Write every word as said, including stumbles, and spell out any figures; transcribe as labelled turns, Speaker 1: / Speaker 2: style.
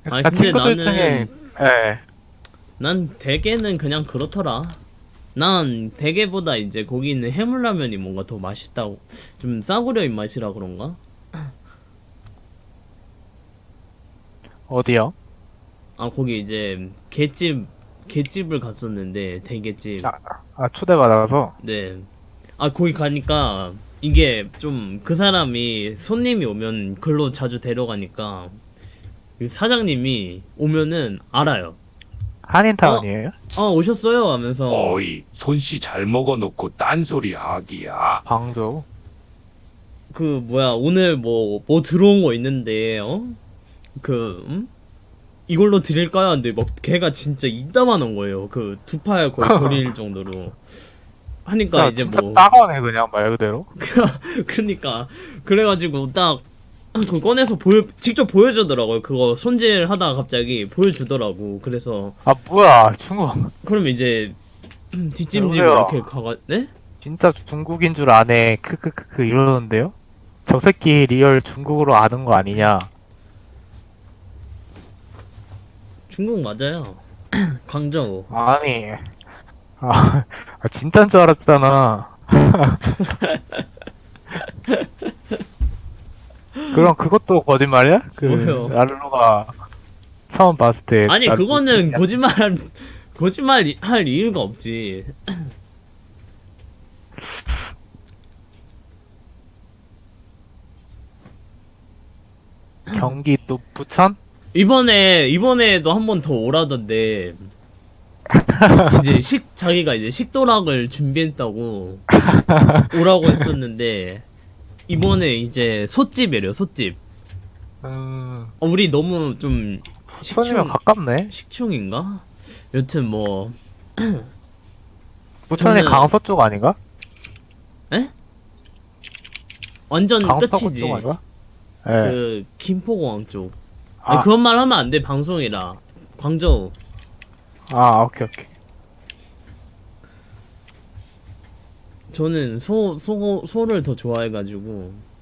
Speaker 1: 아니
Speaker 2: 아,
Speaker 1: 근데
Speaker 2: 친구들 중에,
Speaker 1: 나는
Speaker 2: 예.
Speaker 1: 난 대게는 그냥 그렇더라. 난 대게보다 이제 거기 있는 해물라면이 뭔가 더 맛있다고, 좀 싸구려 입맛이라 그런가?
Speaker 2: 어디요?
Speaker 1: 아 거기 이제 갯집 갯집을 갔었는데 대게집.
Speaker 2: 아, 아, 초대받아서.
Speaker 1: 네. 아 거기 가니까 이게 좀 그 사람이 손님이 오면 글로 자주 데려가니까 그 사장님이 오면은 알아요. 어?
Speaker 2: 한인타운이에요?
Speaker 1: 아 오셨어요 하면서
Speaker 3: 어이, 손씨 잘 먹어놓고 딴소리 하기야.
Speaker 2: 광저우.
Speaker 1: 그 뭐야 오늘 뭐 뭐 들어온 거 있는데 어? 그 음? 이걸로 드릴까요? 근데 막 걔가 진짜 이따만한 거예요. 그 두 팔 거의 버릴 정도로 하니까
Speaker 2: 진짜,
Speaker 1: 이제
Speaker 2: 진짜
Speaker 1: 뭐
Speaker 2: 따가워네, 그냥, 말 그대로.
Speaker 1: 그러니까 그래가지고 딱 그 꺼내서 보여 직접 보여주더라고요. 그거 손질하다가 갑자기 보여주더라고. 그래서
Speaker 2: 아, 뭐야, 중국.
Speaker 1: 그럼 이제 뒷짐지고
Speaker 2: 여보세요?
Speaker 1: 이렇게 가가 네?
Speaker 2: 진짜 중국인 줄 아네. 크크크크 이러는데요? 저 새끼 리얼 중국어로 아는 거 아니냐?
Speaker 1: 중국 맞아요. 광저우.
Speaker 2: 아니, 아, 아, 진짜인 줄 알았잖아. 그럼 그것도 거짓말이야? 그,
Speaker 1: 뭐요?
Speaker 2: 랄로가 처음 봤을 때.
Speaker 1: 아니
Speaker 2: 나
Speaker 1: 그거는
Speaker 2: 느낌이야.
Speaker 1: 거짓말 거짓말 할 이유가 없지.
Speaker 2: 경기 또 부천?
Speaker 1: 이번에 이번에도 한 번 더 오라던데 이제 식 자기가 이제 식도락을 준비했다고 오라고 했었는데 이번에 이제 솥집이래요. 솥집.
Speaker 2: 음,
Speaker 1: 어, 우리 너무 좀
Speaker 2: 부천이면
Speaker 1: 식충
Speaker 2: 가깝네.
Speaker 1: 식충인가? 여튼 뭐
Speaker 2: 부천이
Speaker 1: 저는-
Speaker 2: 강서 쪽 아닌가?
Speaker 1: 완전
Speaker 2: 강서구
Speaker 1: 끝이지.
Speaker 2: 쪽 아닌가? 예.
Speaker 1: 그 김포공항 쪽. 아니
Speaker 2: 아,
Speaker 1: 그런 말 하면 안 돼. 방송이라. 광저우.
Speaker 2: 아, 오케이, 오케이.
Speaker 1: 저는 소, 소, 소를 더 좋아해가지고